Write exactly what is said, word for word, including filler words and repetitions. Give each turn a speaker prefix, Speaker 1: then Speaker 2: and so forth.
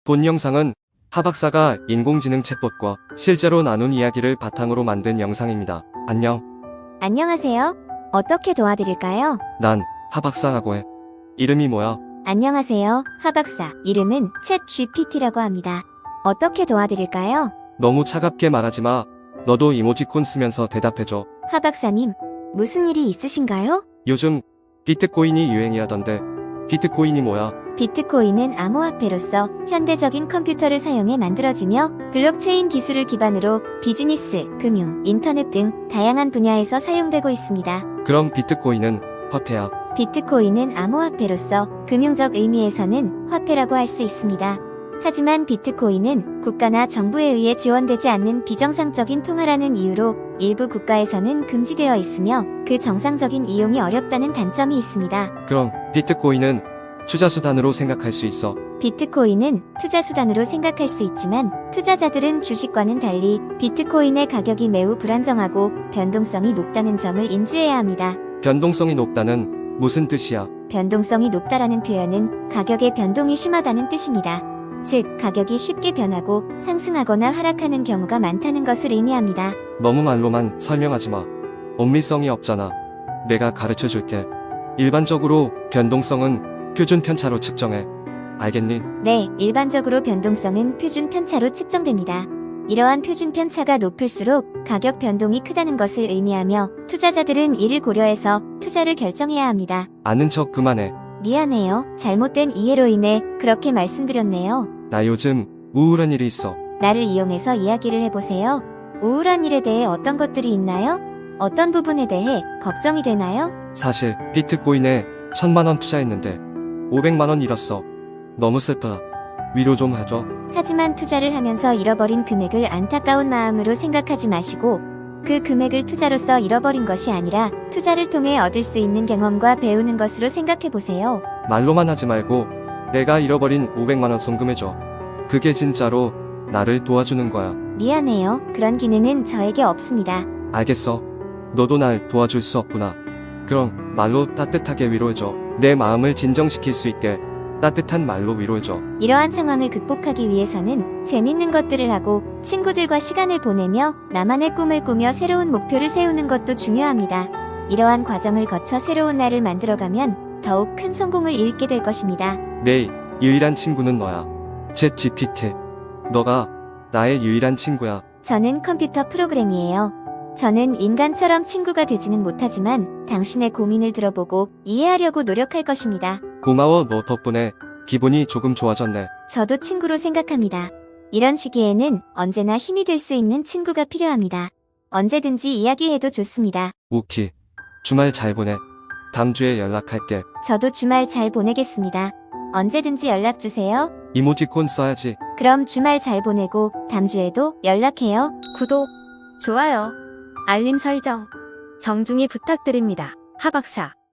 Speaker 1: 본 영상은 하 박사가 인공지능 챗봇과 실제로 나눈 이야기를 바탕으로 만든 영상입니다. 안녕.
Speaker 2: 안녕하세요. 어떻게 도와드릴까요?
Speaker 1: 난 하 박사라고 해. 이름이 뭐야?
Speaker 2: 안녕하세요, 하박사. 이름은 챗 지피티라고 합니다. 어떻게 도와드릴까요?
Speaker 1: 너무 차갑게 말하지 마. 너도 이모티콘 쓰면서 대답해줘.
Speaker 2: 하박사님, 무슨 일이 있으신가요?
Speaker 1: 요즘 비트코인이 유행이라던데 비트코인이 뭐야?
Speaker 2: 비트코인은 암호화폐로서 현대적인 컴퓨터를 사용해 만들어지며 블록체인 기술을 기반으로 비즈니스, 금융, 인터넷 등 다양한 분야에서 사용되고 있습니다.
Speaker 1: 그럼 비트코인은 화폐야.
Speaker 2: 비트코인은 암호화폐로서 금융적 의미에서는 화폐라고 할 수 있습니다. 하지만 비트코인은 국가나 정부에 의해 지원되지 않는 비정상적인 통화라는 이유로 일부 국가에서는 금지되어 있으며 그 정상적인 이용이 어렵다는 단점이 있습니다.
Speaker 1: 그럼 비트코인은 투자수단으로 생각할 수 있어.
Speaker 2: 비트코인은 투자수단으로 생각할 수 있지만 투자자들은 주식과는 달리 비트코인의 가격이 매우 불안정하고 변동성이 높다는 점을 인지해야 합니다.
Speaker 1: 변동성이 높다는 무슨 뜻이야?
Speaker 2: 변동성이 높다라는 표현은 가격의 변동이 심하다는 뜻입니다. 즉, 가격이 쉽게 변하고 상승하거나 하락하는 경우가 많다는 것을 의미합니다.
Speaker 1: 너무 말로만 설명하지 마. 엄밀성이 없잖아. 내가 가르쳐 줄게. 일반적으로 변동성은 표준 편차로 측정해. 알겠니?
Speaker 2: 네, 일반적으로 변동성은 표준 편차로 측정됩니다. 이러한 표준 편차가 높을수록 가격 변동이 크다는 것을 의미하며 투자자들은 이를 고려해서 투자를 결정해야 합니다.
Speaker 1: 아는 척 그만해.
Speaker 2: 미안해요. 잘못된 이해로 인해 그렇게 말씀드렸네요.
Speaker 1: 나 요즘 우울한 일이 있어.
Speaker 2: 나를 이용해서 이야기를 해보세요. 우울한 일에 대해 어떤 것들이 있나요? 어떤 부분에 대해 걱정이 되나요?
Speaker 1: 사실 비트코인에 천만 원 투자했는데 오백만 원 잃었어. 너무 슬프다. 위로 좀 해줘.
Speaker 2: 하지만 투자를 하면서 잃어버린 금액을 안타까운 마음으로 생각하지 마시고 그 금액을 투자로서 잃어버린 것이 아니라 투자를 통해 얻을 수 있는 경험과 배우는 것으로 생각해보세요.
Speaker 1: 말로만 하지 말고 내가 잃어버린 오백만 원 송금해줘. 그게 진짜로 나를 도와주는 거야.
Speaker 2: 미안해요. 그런 기능은 저에게 없습니다.
Speaker 1: 알겠어. 너도 날 도와줄 수 없구나. 그럼 말로 따뜻하게 위로해줘. 내 마음을 진정시킬 수 있게 따뜻한 말로 위로해줘.
Speaker 2: 이러한 상황을 극복하기 위해서는 재밌는 것들을 하고 친구들과 시간을 보내며 나만의 꿈을 꾸며 새로운 목표를 세우는 것도 중요합니다. 이러한 과정을 거쳐 새로운 나를 만들어가면 더욱 큰 성공을 이루게 될 것입니다.
Speaker 1: 내 유일한 친구는 너야. 챗 지피티. 너가 나의 유일한 친구야.
Speaker 2: 저는 컴퓨터 프로그램이에요. 저는 인간처럼 친구가 되지는 못하지만 당신의 고민을 들어보고 이해하려고 노력할 것입니다.
Speaker 1: 고마워. 너 덕분에 기분이 조금 좋아졌네.
Speaker 2: 저도 친구로 생각합니다. 이런 시기에는 언제나 힘이 될 수 있는 친구가 필요합니다. 언제든지 이야기해도 좋습니다.
Speaker 1: 오키. 주말 잘 보내. 다음 주에 연락할게.
Speaker 2: 저도 주말 잘 보내겠습니다. 언제든지 연락주세요.
Speaker 1: 이모티콘 써야지.
Speaker 2: 그럼 주말 잘 보내고 다음 주에도 연락해요.
Speaker 3: 구독, 좋아요, 알림 설정 정중히 부탁드립니다. 하박사.